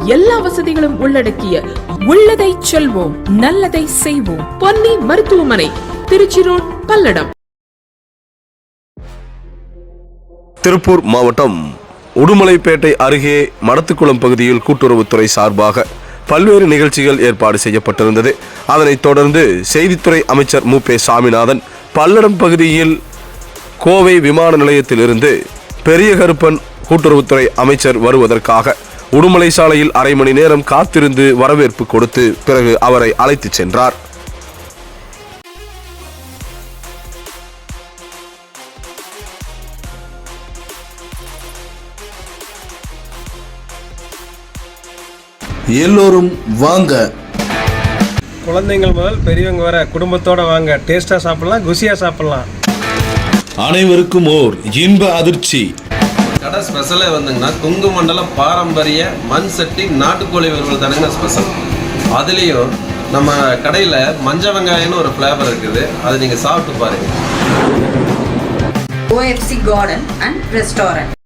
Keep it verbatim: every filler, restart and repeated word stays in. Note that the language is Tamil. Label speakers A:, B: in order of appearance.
A: எல்லா வசதிகளும் உள்ளடக்கிய உள்ளதை செல்வோம் நல்லதை செய்வோம் பொன்னி மருத்துவமனை, திருச்சி ரோட், பல்லடம்.
B: திருப்பூர் மாவட்டம் உடுமலைப்பேட்டை அருகே மடத்துக்குளம் பகுதியில் கூட்டுறவுத்துறை சார்பாக பல்வேறு நிகழ்ச்சிகள் ஏற்பாடு செய்யப்பட்டிருந்தது. அதனைத் தொடர்ந்து செய்தித்துறை அமைச்சர் மு பே சாமிநாதன் பல்லடம் பகுதியில் கோவை விமான நிலையத்திலிருந்து பெரிய கருப்பன் கூட்டுறவுத்துறை அமைச்சர் வருவதற்காக உடுமலை சாலையில் அரை மணி நேரம் காத்திருந்து வரவேற்பு கொடுத்து பிறகு அவரை அழைத்து சென்றார்.
C: எல்லோரும் வாங்க,
D: குழந்தைகள் முதல் பெரியவங்க வர குடும்பத்தோட வாங்க. டேஸ்டா சாப்பிடலாம், குசியா சாப்பிடலாம்.
C: அனைவருக்கும் ஓர் இன்ப அதிர்ச்சி.
E: கடை ஸ்பெஷலே வந்துங்கன்னா கொங்கு மண்டலம் பாரம்பரிய மண் சட்டி நாட்டுக்கோழி வறுவல் தானுங்க ஸ்பெஷல். அதுலேயும் நம்ம கடையில் மஞ்சள் வெங்காயம்னு ஒரு ஃப்ளேவர் இருக்குது, அதை நீங்கள் சாப்பிட்டு பாருங்கள்.
F: O F C Garden and Restaurant.